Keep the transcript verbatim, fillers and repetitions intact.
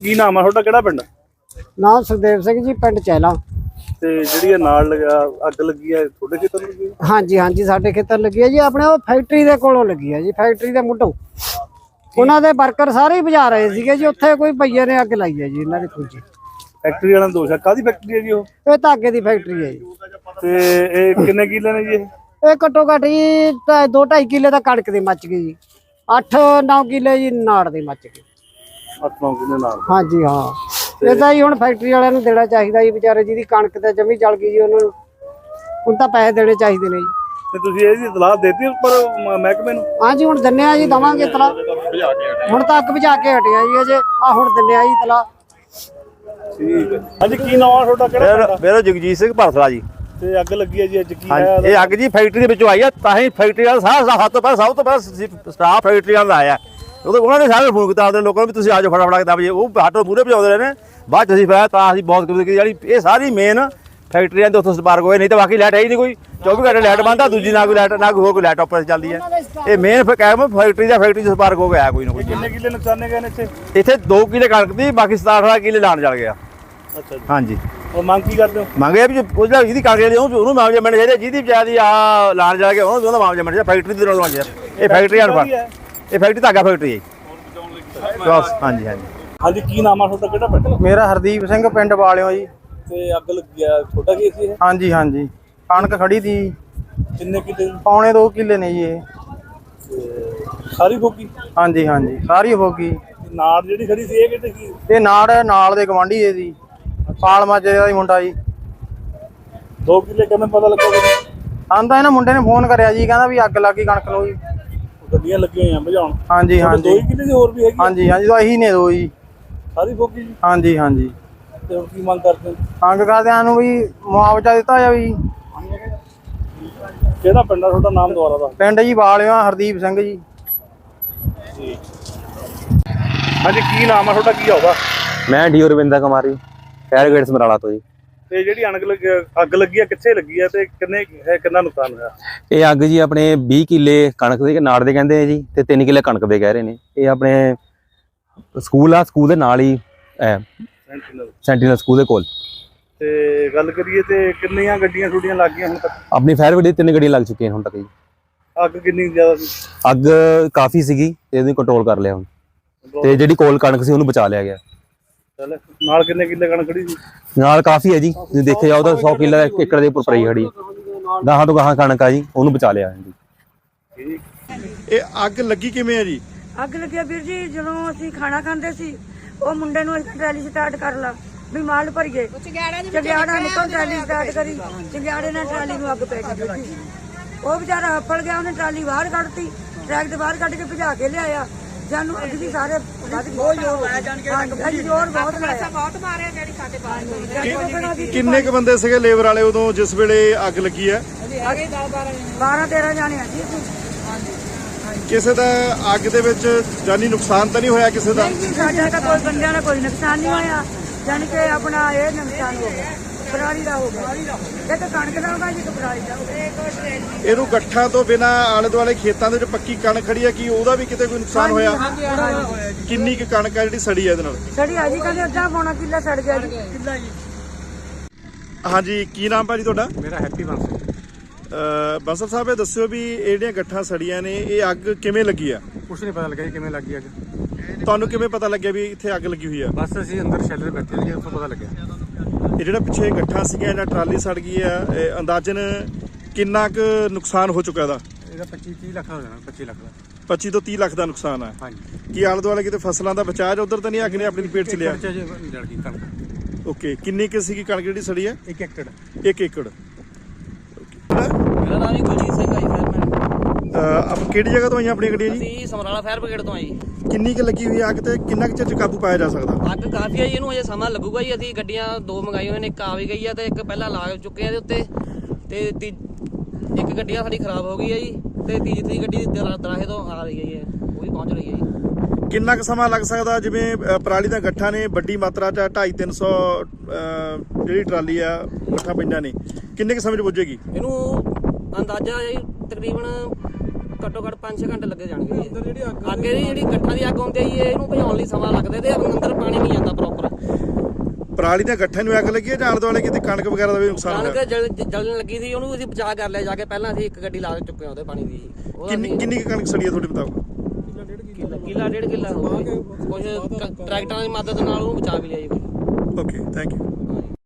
ਕੀ ਨਾਮ ਆ ਤੁਹਾਡਾ, ਕਿਹੜਾ ਪਿੰਡ? ਨਾਮ ਸੁਖਦੇਵ ਸਿੰਘ ਜੀ, ਪਿੰਡ ਚਹਿਲਾ। ਤੇ ਜਿਹੜੀ ਨਾਲ ਲਗਾ ਅੱਗ ਲੱਗੀ ਹੈ ਤੁਹਾਡੇ ਖੇਤਰ ਲੱਗੀ? ਹਾਂਜੀ ਹਾਂਜੀ, ਸਾਡੇ ਖੇਤਰ ਲੱਗੀ ਹੈ ਜੀ। ਆਪਣੇ ਉਹ ਫੈਕਟਰੀ ਦੇ ਕੋਲੋਂ ਲੱਗੀ ਹੈ ਜੀ, ਫੈਕਟਰੀ ਦੇ ਮੁੱਢੋਂ। ਉਹਨਾਂ ਦੇ ਵਰਕਰ ਸਾਰੇ ਹੀ ਬੁਝਾ ਰਹੇ ਸੀਗੇ ਜੀ। ਉੱਥੇ ਕੋਈ ਭਈਏ ਨੇ ਅੱਗ ਲਾਈ ਹੈ ਜੀ ਇਹਨਾਂ ਦੀ ਖੁੱਜੀ। ਫੈਕਟਰੀ ਵਾਲਾ ਦੋਸ਼ ਹੈ? ਕਾਹਦੀ ਫੈਕਟਰੀ ਹੈ ਜੀ ਉਹ? ਇਹ ਧਾਗੇ ਦੀ ਫੈਕਟਰੀ ਹੈ ਜੀ। ਤੇ ਇਹ ਕਿੰਨੇ ਕਿੱਲੇ ਨੇ ਜੀ ਇਹ? ਇਹ ਘੱਟੋ ਘੱਟ ਜੀ ਦੋ ਢਾਈ ਕਿੱਲੇ ਤਾਂ ਕਣਕ ਦੀ ਮੱਚ ਗਈ ਜੀ। ਅੱਠ ਨੌ ਕਿੱਲੇ ਜੀ ਨਾੜ ਦੀ ਮੱਚ ਗਈ। ਅੱਠ ਨੌ ਕਿੱਲੇ ਨਾਲ? ਹਾਂਜੀ ਹਾਂ। ਇਹ ਤਾਂ ਜੀ ਹੁਣ ਫੈਕਟਰੀ ਵਾਲਿਆਂ ਨੂੰ ਦੇਣਾ ਚਾਹੀਦਾ ਜੀ, ਵਿਚਾਰੇ ਜਿਹਦੀ ਕਣਕ ਤੇ ਜਮੀ ਜਲ ਗਈ ਜੀ, ਉਹਨਾਂ ਨੂੰ ਹੁਣ ਤਾਂ ਪੈਸੇ ਦੇਣੇ ਚਾਹੀਦੇ ਨੇ ਜੀ। ਤੇ ਤੁਸੀਂ ਇਹਦੀ ਇਤਲਾਹ ਦੇਤੀ ਉੱਪਰ ਮਹਿਕਮੇ ਨੂੰ? ਹਾਂਜੀ ਹੁਣ ਦਿੰਨੇ ਆ ਜੀ, ਦਵਾਂਗੇ ਇਤਲਾਹ। ਹੁਣ ਤਾਂ ਅੱਗ ਬੁਝਾ ਕੇ ਹਟਿਆ ਜੀ ਅਜੇ, ਆ ਹੁਣ ਦਿੰਨੇ ਆ ਜੀ ਇਤਲਾਹ। ਠੀਕ ਹੈ। ਹਾਂਜੀ, ਕੀ ਨਾਮ ਆ ਤੁਹਾਡਾ, ਕਿਹੜਾ? ਮੇਰਾ ਜਗਜੀਤ ਸਿੰਘ ਭਰਸਲਾ ਜੀ। ਤੇ ਅੱਗ ਲੱਗੀ ਹੈ ਜੀ ਅੱਜ, ਕੀ ਹੈ? ਇਹ ਅੱਗ ਜੀ ਫੈਕਟਰੀ ਦੇ ਵਿੱਚੋਂ ਆਈ ਆ, ਤਾਂ ਹੀ ਫੈਕਟਰੀ ਵਾਲਾ ਸਾਰਾ ਸਭ ਤੋਂ ਪਹਿਲਾਂ ਸਭ ਤੋਂ ਪਹਿਲਾਂ ਸਟਾਫ ਫੈਕਟਰੀ ਵਾਲਾ ਆਇਆ। ਉਹਨਾਂ ਨੇ ਸਾਰੇ ਫੋਨ ਕੀਤਾ ਆਪਣੇ ਲੋਕਾਂ ਨੂੰ ਵੀ ਤੁਸੀਂ ਆ ਜਾਓ ਫਟਾਫਟ ਕੇ ਦਸ ਵਜੇ। ਉਹ ਆਟੋ ਮੂਹਰੇ ਭਜਾਉਂਦੇ ਰਹੇ ਨੇ, ਬਾਅਦ ਚ ਅਸੀਂ ਫਿਰ ਤਾਂ ਅਸੀਂ ਬਹੁਤ ਕੀਤੀ ਜਿਹੜੀ ਇਹ ਸਾਰੀ ਮੇਨ ਫੈਕਟਰੀਆਂ ਦੇ ਉੱਥੋਂ ਸਪਾਰਕ ਹੋਏ। ਨਹੀਂ ਤਾਂ ਬਾਕੀ ਲਾਈਟ ਹੈ ਹੀ ਨਹੀਂ ਕੋਈ, ਚੌਵੀ ਘੰਟੇ ਲਾਈਟ ਬੰਦ ਆ, ਦੂਜੀ ਨਾ ਕੋਈ ਲਾਈਟ ਨਾ ਕੋਈ ਹੋਰ ਕੋਈ ਲਾਈਟ ਆਪਰੇਟ ਚੱਲਦੀ ਹੈ। ਇਹ ਮੇਨ ਕਹਿ ਫੈਕਟਰੀ ਦਾ ਫੈਕਟਰੀ ਚ ਸਪਾਰਕ ਹੋ ਗਿਆ ਕੋਈ ਨਾ ਕੋਈ। ਕਿੰਨੇ ਕਿੱਲੇ ਨੁਕਸਾਨੇ ਗਏ ਨੇ ਇੱਥੇ? ਇੱਥੇ ਦੋ ਕਿੱਲੇ ਕਣਕ ਦੀ, ਬਾਕੀ ਸਤਾਰਾਂ ਅਠਾਰਾਂ ਕਿੱਲੇ ਲਾਣ ਚੱਲ ਗਿਆ। ਅੱਛਾ ਜੀ। ਹਾਂਜੀ। ਉਹ ਮੰਗ ਕੀ ਕਰਦੇ ਹੋ? ਮੰਗਿਆ ਵੀ ਉਹਦਾ ਜਿਹਦੀ ਕਾਗਜ਼ ਦੀ ਉਹਨੂੰ ਮਾਮਲੇ ਮਿਲਣੇ ਚਾਹੀਦੇ, ਜਿਹਦੀ ਵਿਚਾਰੀ ਆ ਲਾਣ ਜਾ ਕੇ ਉਹਨੂੰ ਉਹਦਾ ਮਾਮਲੇ ਮਿਲਣਾ ਚਾਹੀਦਾ। ਫੈਕਟਰੀ ਦੇ ਨਾਲ ਚਾਹੀਦਾ। ਇਹ ਫੈਕਟਰੀ ਅਨਪੜ, ਇਹ ਫੈਕਟਰੀ ਧਾਗਾ ਫੈਕਟਰੀ ਹੈ। ਹਾਂਜੀ ਹਾਂਜੀ। ਹਾਂਜੀ, ਕੀ ਨਾਮ ਆ ਤੁਹਾਡਾ, ਕਿਹੜਾ ਪਿੰਡ? ਮੇਰਾ ਹਰਦੀਪ ਸਿੰਘ, ਪਿੰਡ ਵਾਲਿਓ ਜੀ। ਤੇ ਅੱਗ ਲੱਗੀ ਆ, ਤੁਹਾਡਾ ਕੀ ਸੀ ਇਹ? ਹਾਂਜੀ ਹਾਂਜੀ, ਕਣਕ ਖੜੀ ਤੀ। ਕਿੰਨੇ ਕਿੱਲੇ? ਪੌਣੇ ਦੋ ਕਿੱਲੇ ਨੇ ਜੀ ਇਹ। ਸਾਰੀ ਫੋਕੀ? ਹਾਂਜੀ ਹਾਂਜੀ, ਸਾਰੀ ਹੋ ਗਈ। ਨਾੜ ਜਿਹੜੀ ਖੜੀ ਸੀ ਇਹ ਕਿਤੇ ਕੀ? ਇਹ ਨਾੜ ਨਾਲ ਦੇ ਗਵਾਂਢੀ ਦੇ ਸੀ, ਪਾਲ ਮਾਜੇ ਦਾ ਹੀ ਮੁੰਡਾ ਜੀ। ਦੋ ਕਿੱਲੇ ਕਿਵੇਂ ਪਤਾ ਲੱਗਾ? ਆਂਦਾ ਇਹਨਾਂ ਮੁੰਡੇ ਨੇ ਫੋਨ ਕਰਿਆ ਜੀ, ਕਹਿੰਦਾ ਵੀ ਅੱਗ ਲੱਗ ਗਈ ਕਣਕ ਨੂੰ ਜੀ। ਗੱਡੀਆਂ ਲੱਗੀਆਂ ਹੋਈਆਂ ਬੁਝਾਉਣ? ਹਾਂਜੀ ਹਾਂਜੀ। ਦੋ ਹੀ ਕਿੱਲੇ ਦੀ ਹੋਰ ਵੀ ਹੈਗੀ? ਹਾਂਜੀ ਹਾਂਜੀ, ਤਾਂ ਇਹੀ ਨੇ ਦੋ ਜੀ। ਸਾਰੀ ਫੋਕੀ ਜੀ? ਹਾਂਜੀ ਹਾਂਜੀ। ਤੇ ਹੁਣ ਕੀ ਮੰਗ ਕਰਦੇ ਹੋ? ਮੰਗ ਕਰਦਿਆਂ ਨੂੰ ਵੀ ਮੁਆਵਜ਼ਾ ਦਿੱਤਾ ਜਾਵੇ ਜੀ। ਕਿਹੜਾ ਪਿੰਡ ਆ ਤੁਹਾਡਾ, ਨਾਮ ਦੁਆਰਾ ਦਾ? ਪਿੰਡ ਜੀ ਵਾਲਿਓ, ਹਰਦੀਪ ਸਿੰਘ ਜੀ। ਹਾਂਜੀ, ਕੀ ਨਾਮ ਆ ਤੁਹਾਡਾ, ਕੀ ਆਉਗਾ? ਮੈਂ ਡੀ ਰਵਿੰਦਰ ਕੁਮਾਰੀ, ਫਾਇਰ ਬ੍ਰਿਗੇਡ ਸਮਰਾਲਾ ਤੋਂ ਜੀ। ਤੇ ਜਿਹੜੀ ਅਣਗ ਲੱਗੀ ਅੱਗ ਲੱਗੀ ਆ, ਕਿੱਥੇ ਲੱਗੀ ਆ ਤੇ ਕਿੰਨੇ ਹੈ, ਕਿੰਨਾ ਨੁਕਸਾਨ ਹੋਇਆ? ਇਹ ਅੱਗ ਜੀ ਆਪਣੇ ਵੀਹ ਕਿੱਲੇ ਕਣਕ ਦੇ ਨਾੜ ਦੇ ਕਹਿੰਦੇ ਆ ਜੀ, ਤੇ ਤਿੰਨ ਕਿੱਲੇ ਕਣਕ ਦੇ ਕਹਿ ਰਹੇ ਨੇ। ਇਹ ਆਪਣੇ ਸਕੂਲ ਆ, ਸਕੂਲ ਦੇ ਨਾਲ ਹੀ ਸੈਂਟੀਨਲ ਸਕੂਲ ਦੇ ਕੋਲ। ਤੇ ਗੱਲ ਕਰੀਏ ਤੇ ਕਿੰਨੀਆਂ ਗੱਡੀਆਂ ਛੁੱਟੀਆਂ ਲੱਗ ਗਈਆਂ ਹੁਣ ਤੱਕ? ਆਪਣੀ ਫਾਇਰ ਬ੍ਰਿਗੇਡ ਤਿੰਨ ਗੱਡੀਆਂ ਲੱਗ ਚੁੱਕੀਆਂ ਹੁਣ ਤੱਕ ਜੀ। ਅੱਗ ਕਿੰਨੀ ਜ਼ਿਆਦਾ ਸੀ? ਅੱਗ ਕਾਫੀ ਸੀਗੀ ਤੇ ਇਹਨੂੰ ਕੰਟਰੋਲ ਕਰ ਲਿਆ ਹੁਣ, ਤੇ ਜਿਹੜੀ ਕੋਲ ਕਣਕ ਸੀ ਉਹਨੂੰ ਬਚਾ ਲਿਆ ਗਿਆ। ਚੱਲ, ਨਾਲ ਕਿੰਨੇ ਕਿੱਲੇ ਕਣਕ ਖੜੀ ਸੀ? ਨਾਲ ਕਾਫੀ ਹੈ ਜੀ, ਜੇ ਦੇਖਿਆ ਜਾਓ ਤਾਂ ਸੌ ਕਿੱਲਾ ਏਕੜ ਦੇ ਉੱਪਰ ਪਈ ਖੜੀ। ਗਾਹਾਂ ਤੋਂ ਗਾਹਾਂ ਕਣਕ ਆ ਜੀ, ਉਹਨੂੰ ਬਚਾ ਲਿਆ ਜੀ। ਇਹ ਅੱਗ ਲੱਗੀ ਕਿਵੇਂ ਆ ਜੀ? ਅੱਗ ਲੱਗਿਆ ਵੀਰ ਜੀ, ਜਦੋਂ ਅਸੀਂ ਖਾਣਾ ਖਾਂਦੇ ਸੀ, ਉਹ ਮੁੰਡੇ ਨੂੰ ਟਰਾਲੀ ਸਟਾਰਟ ਕਰ ਲਾ ਵੀ ਮਾਲ ਭਰੀਏ। ਚੰਗਿਆੜਾ ਨਿਕਲ ਟਰਾਲੀ ਸਟਾਰਟ ਕਰੀ, ਚੰਗਿਆੜੇ ਨਾਲ ਟਰਾਲੀ ਨੂੰ ਅੱਗ ਪੈ ਗਈ ਜੀ। ਉਹ ਵਿਚਾਰਾ ਹੱਫੜ ਗਿਆ, ਉਹਨੇ ਟਰਾਲੀ ਬਾਹਰ ਕੱਢਤੀ, ਟਰੈਕ ਦੇ ਬਾਹਰ ਕੱਢ ਕੇ ਭਜਾ ਕੇ ਲਿਆਇਆ। ਸਾਨੂੰ ਅੱਗ ਵੀ ਸਾਰੇ ਬਹੁਤ ਜ਼ੋਰ ਲਾਇਆ, ਜਾਣ ਕੇ ਜ਼ੋਰ ਬਹੁਤ ਲਾਇਆ, ਬਹੁਤ ਮਾਰਿਆ ਜਿਹੜੀ ਸਾਡੇ ਬਾਹਰ। ਕਿੰਨੇ ਕੁ ਬੰਦੇ ਸੀਗੇ ਲੇਬਰ ਵਾਲੇ ਉਦੋਂ ਜਿਸ ਵੇਲੇ ਅੱਗ ਲੱਗੀ ਹੈ? ਬਾਰਾਂ ਤੇਰਾਂ ਜਾਣੇ ਆ ਜੀ। ਕਿਸੇ ਦਾ ਅੱਗ ਦੇ ਵਿੱਚ ਜਾਨੀ ਨੁਕਸਾਨ ਤਾਂ ਨਹੀਂ ਹੋਇਆ ਕਿਸੇ ਦਾ? ਸਾਡਾ ਤਾਂ ਕੋਈ ਬੰਦਿਆਂ ਦਾ ਕੋਈ ਨੁਕਸਾਨ ਨਹੀਂ ਹੋਇਆ, ਜਾਣੀ ਕਿ ਆਪਣਾ ਇਹ ਨੁਕਸਾਨ ਹੋ ਗਿਆ ਪਰਾਲੀ ਦਾ, ਹੋ ਗਿਆ ਇੱਕ ਕਣਕ ਦਾ ਹੋਗਾ ਜੀ, ਇੱਕ ਪਰਾਲੀ ਦਾ ਹੋਗਾ। ਇਹਨੂੰ ਗੱਠਾਂ ਤੋਂ ਬਿਨਾ ਆਲੇ ਦੁਆਲੇ ਖੇਤਾਂ ਦੇ ਵਿੱਚ ਪੱਕੀ ਕਣਕ ਖੜੀ ਹੈ, ਕੀ ਉਹਦਾ ਵੀ ਕਿਤੇ ਕੋਈ ਨੁਕਸਾਨ ਹੋਇਆ? ਕਿੰਨੀ ਕੁ ਕਣਕ ਹੈ ਜਿਹੜੀ ਸੜੀ ਹੈ ਇਹਦੇ ਨਾਲ? ਸੜੀ ਆ ਜੀ, ਕਹਿੰਦੇ ਅੱਧਾ ਪੌਣਾ ਕਿੱਲਾ ਸੜ ਗਿਆ ਜੀ। ਕਿੱਲਾ ਜੀ। ਹਾਂਜੀ, ਕੀ ਨਾਮ ਭਾਜੀ ਤੁਹਾਡਾ? ਮੇਰਾ ਹੈਪੀ ਬੰਸਲ। ਬੰਸਲ ਸਾਹਿਬ, ਇਹ ਦੱਸਿਓ ਵੀ ਇਹ ਜਿਹੜੀਆਂ ਗੱਠਾਂ ਸੜੀਆਂ ਨੇ, ਇਹ ਅੱਗ ਕਿਵੇਂ ਲੱਗੀ ਆ? ਕੁਛ ਨਹੀਂ ਪਤਾ ਲੱਗਿਆ ਜੀ ਕਿਵੇਂ ਲੱਗੀ ਅੱਗ। ਤੁਹਾਨੂੰ ਕਿਵੇਂ ਪਤਾ ਲੱਗਿਆ ਵੀ ਇੱਥੇ ਅੱਗ ਲੱਗੀ ਹੋਈ ਆ? ਬਸ ਅਸੀਂ ਅੰਦਰ ਸ਼ੈਲਰ ਬੈਠੇ ਸੀ, ਉੱਥੋਂ ਪਤਾ ਲੱਗਿਆ। ਇਹ ਜਿਹੜਾ ਪਿੱਛੇ ਗੱਠਾਂ ਸੀਗੀਆਂ, ਇਹਨਾਂ ਟਰਾਲੀ ਸੜ ਗਈ ਆ, ਇਹ ਅੰਦਾਜ਼ਨ ਕਿੰਨਾ ਕੁ ਨੁਕਸਾਨ ਹੋ ਚੁੱਕਾ ਇਹਦਾ? ਇਹਦਾ ਪੱਚੀ ਤੀਹ ਲੱਖ ਦਾ ਹੋ ਜਾਣਾ, ਪੱਚੀ ਲੱਖ ਦਾ। ਪੱਚੀ ਤੋਂ ਤੀਹ ਲੱਖ ਦਾ ਨੁਕਸਾਨ ਹੈ। ਹਾਂਜੀ। ਕੀ ਆਲੇ ਦੁਆਲੇ ਕਿਤੇ ਫਸਲਾਂ ਦਾ ਬਚਾਅ ਉਧਰ ਤਾਂ ਨਹੀਂ ਅੱਗ ਨੇ ਆਪਣੀ ਲਪੇਟ ਚ ਲਿਆ? ਜਲ ਗਈ ਕਣਕ। ਓਕੇ, ਕਿੰਨੀ ਕੁ ਸੀਗੀ ਕਣਕ ਜਿਹੜੀ ਸੜੀ ਹੈ? ਇੱਕ ਏਕੜ। ਇੱਕ ਏਕੜ। ਮੇਰਾ ਨਾਮ ਜੀ ਕੁਲਜੀਤ ਸਿੰਘ ਆ ਜੀ, ਫਾਇਰਮੈਨ। ਆਪ ਕਿਹੜੀ ਜਗ੍ਹਾ ਤੋਂ ਆਈਆਂ ਆਪਣੀਆਂ ਗੱਡੀਆਂ ਜੀ? ਅਸੀਂ ਸਮਰਾਲਾ ਫਾਇਰ ਬ੍ਰਿਗੇਡ ਤੋਂ ਆ ਜੀ। ਕਿੰਨੀ ਕੁ ਲੱਗੀ ਹੋਈ ਅੱਗ ਤੇ ਕਿੰਨਾ ਕੁ ਚਿਰ ਚ ਕਾਬੂ ਪਾਇਆ ਜਾ ਸਕਦਾ? ਅੱਗ ਕਾਫੀ ਆ ਜੀ, ਇਹਨੂੰ ਅਜੇ ਸਮਾਂ ਲੱਗੂਗਾ ਜੀ। ਅਸੀਂ ਗੱਡੀਆਂ ਦੋ ਮੰਗਾਈਆਂ ਨੇ, ਇੱਕ ਆ ਵੀ ਗਈ ਆ ਤੇ ਇੱਕ ਪਹਿਲਾਂ ਲਾ ਚੁੱਕੇ ਆ ਦੇ ਉੱਤੇ, ਤੇ ਤੀ ਇੱਕ ਗੱਡੀਆਂ ਸਾਡੀ ਖਰਾਬ ਹੋ ਗਈ ਆ ਜੀ, ਤੇ ਤੀਜੀ ਗੱਡੀ ਦਰਾਹੇ ਤੋਂ ਆ ਰਹੀ ਹੈ, ਉਹ ਵੀ ਪਹੁੰਚ ਰਹੀ ਹੈ ਜੀ। ਕਿੰਨਾ ਕੁ ਸਮਾਂ ਲੱਗ ਸਕਦਾ? ਜਿਵੇਂ ਪਰਾਲੀ ਦੀਆਂ ਗੱਠਾਂ ਨੇ ਵੱਡੀ ਮਾਤਰਾ ਚ ਢਾਈ ਤਿੰਨ ਸੌ ਜਿਹੜੀ ਟਰਾਲੀ ਆ ਗੱਠਾਂ ਪਈਆਂ ਨੇ, ਕਿੰਨੇ ਕੁ ਸਮੇਂ ਚ ਪੁੱਜੇਗੀ? ਇਹਨੂੰ ਅੰਦਾਜ਼ਾ ਜੀ ਤਕਰੀਬਨ ਘੱਟੋ ਘੱਟ ਪੰਜ ਛੇ ਘੰਟੇ ਲੱਗੇ ਜਾਣਗੇ ਜੀ ਅੱਗ ਦੀ ਜਿਹੜੀ ਗੱਠਾਂ ਦੀ ਅੱਗ ਹੁੰਦੀ ਹੈ ਜੀ ਇਹਨੂੰ ਭਜਾਉਣ ਲਈ ਸਮਾਂ ਲੱਗਦਾ ਤੇ ਅੰਦਰ ਪਾਣੀ ਨਹੀਂ ਜਾਂਦਾ ਪ੍ਰੋਪਰ। ਪਰਾਲੀ ਦੀਆਂ ਗੱਠਾਂ ਨੂੰ ਅੱਗ ਲੱਗੀ ਹੈ ਜਾਂ ਆਲੇ ਦੁਆਲੇ ਕਿਤੇ ਕਣਕ ਵਗੈਰਾ ਦਾ ਵੀ ਨੁਕਸਾਨ ਹੋਇਆ? ਕਣਕ ਜਲ ਜਲਣ ਲੱਗੀ ਸੀ ਉਹਨੂੰ ਅਸੀਂ ਬਚਾ ਕਰ ਲਿਆ ਜਾ ਕੇ। ਪਹਿਲਾਂ ਅਸੀਂ ਇੱਕ ਗੱਡੀ ਲਾ ਚੁੱਕੇ ਹਾਂ ਉਹਦੇ ਪਾਣੀ ਦੀ। ਕਿੰਨੀ ਕਿੰਨੀ ਕੁ ਕਣਕ ਸੜੀ ਹੈ ਤੁਹਾਡੇ ਮੁਤਾਬਕ? ਕਿੱਲਾ ਡੇਢ ਕਿੱਲਾ ਹੋ ਗਿਆ ਕੁਝ ਟਰੈਕਟਰਾਂ ਦੀ ਮਦਦ ਨਾਲ ਉਹਨੂੰ ਬਚਾ ਵੀ ਲਿਆ ਜੀ। Okay thank you.